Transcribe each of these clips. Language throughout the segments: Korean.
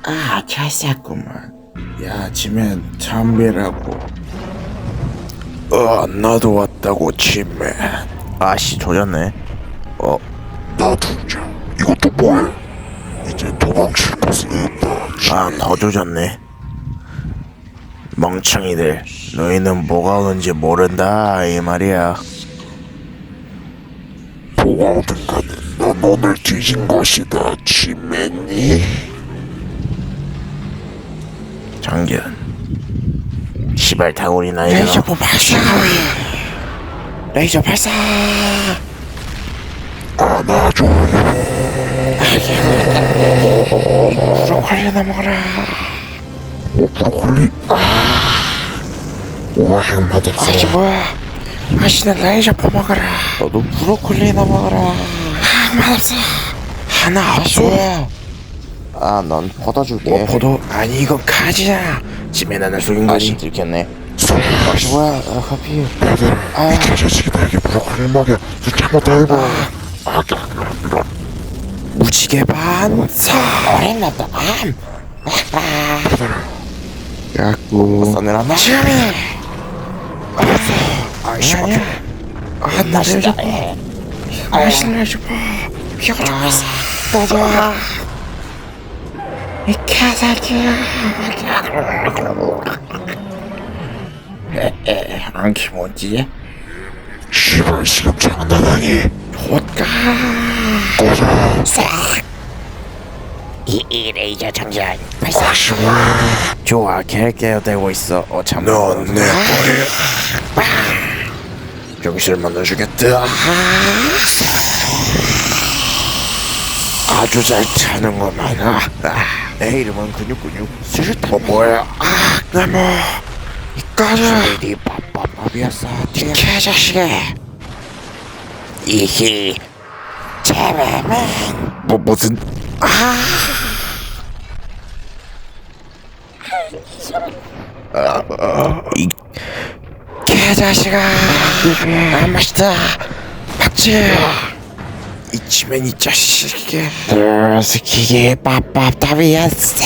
잘 쌌구만. 야, 지면 참배라고. 나도 왔다고, 치맨. 아씨 조졌네. 놔두자. 이것도 뭐야? 이제 도망칠 곳은 없다. 더 조졌네. 멍청이들, 너희는 뭐가 오는지 모른다 이 말이야. 뭐가 오든 간에 넌 오늘 뒤진 것이다, 치맨이. 장견. 시발 다구리나 이거. 레이저포 발사! 레이저 발사! 안아줘. 브로콜리나 먹어라. 브로콜리. 오행 마법사. 뭐야? 맛있는 레이저포 먹어라. 너도 브로콜리나 먹어라. 맛없어. 하나 없어. 넌 퍼다줄게. 포도? 아니, 이거 가지야. 치맨 하나 속인 아씨 거지. 들켰네. 뭐야? 커피. 얘들아, 이 자식이 나에게 브로콜리 먹여. 잘못해봐. 무지개 반사. 어린났다. 야구. 써내놨나? 지금이. 아니야. 나 레이저포. 맛있는 레이저포. 비가 좀 있어. 맞아. 이 개새끼야. 안키 뭐지? 씨발, 지금 장난하니? 옷가. 꺼져. 이 레이저 장전 발사. 좋아, 개되고 있어. 참. 넌내 거야. 병실만 넣어주겠다. 아주 잘 타는구만. 내 이름은 근육근육. 수류탄 뭐야? 나뭐 이까지 이 빰빰밥이었어. 이 개자식이. 이히 제매맨. 무슨? 이 개자식아. 맛있다. 박지. 이 치맨 이 자식이. 스키기 빰빰밥이었어.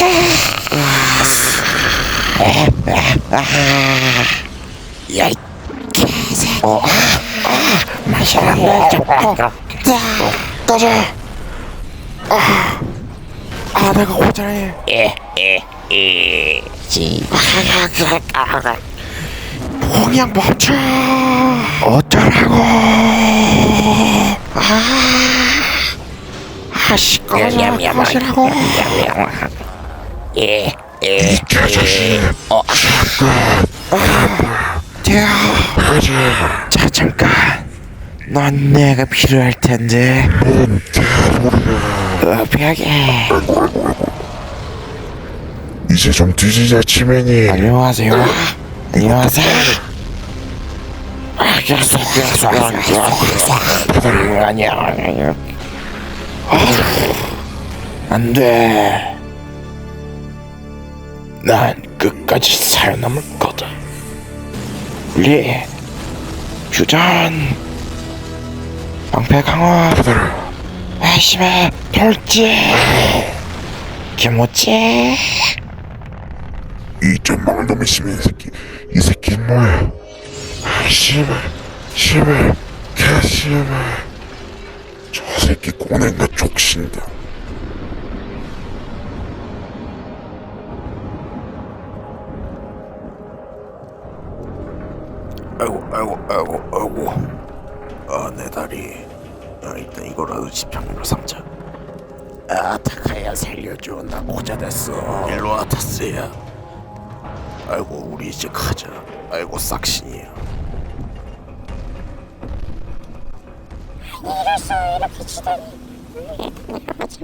야, 이 개새끼. 마시라고. 꺼져. 내가 고자해. 공양 멈춰. 어쩌라고. 시끄러워. 꺼지라고. 이 개자식. 대야. 자, 잠깐. 넌 내가 필요할 텐데. 뭔 개소리야. 벽에. 이제 좀 뒤지자, 치맨이. 안녕하세요. 안녕하세요. 아니야. 안 돼. 난 끝까지 살아남을 거다. 리, 휴전, 방패 강화, 회심의 돌지, 김오찌. 이 전망을 놈의 시민 새끼. 이 새끼 뭐야? 씨발, 개씨발. 저 새끼 꼬낸가 족신다. 아이고. 내 다리. 일단 이거라도 지팡이로 삼자. 타카야 살려줘. 나 고자 됐어. 일로와 타스야. 아이고, 우리 이제 가자. 아이고, 싹신이야. 이럴수 이렇게 치다니. 내려가자.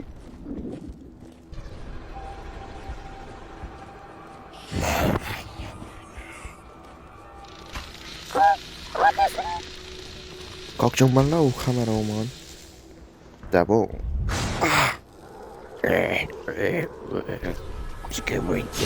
걱정 말라고 카메라 오면. 따봉. 이게 뭐지?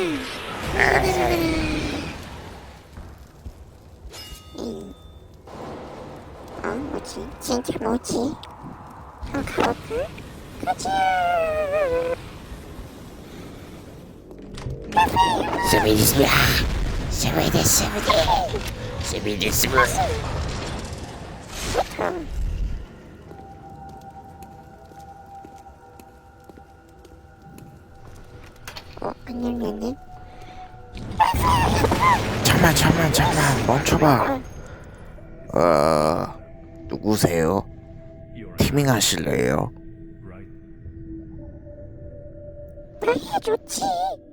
뭐지? 진짜 뭐지? 가볼까? 가자. 스미디스미야. 스미디스미. 안녕님. 잠만 멈춰봐. 누구세요? 티밍 하실래요? 그래 좋지.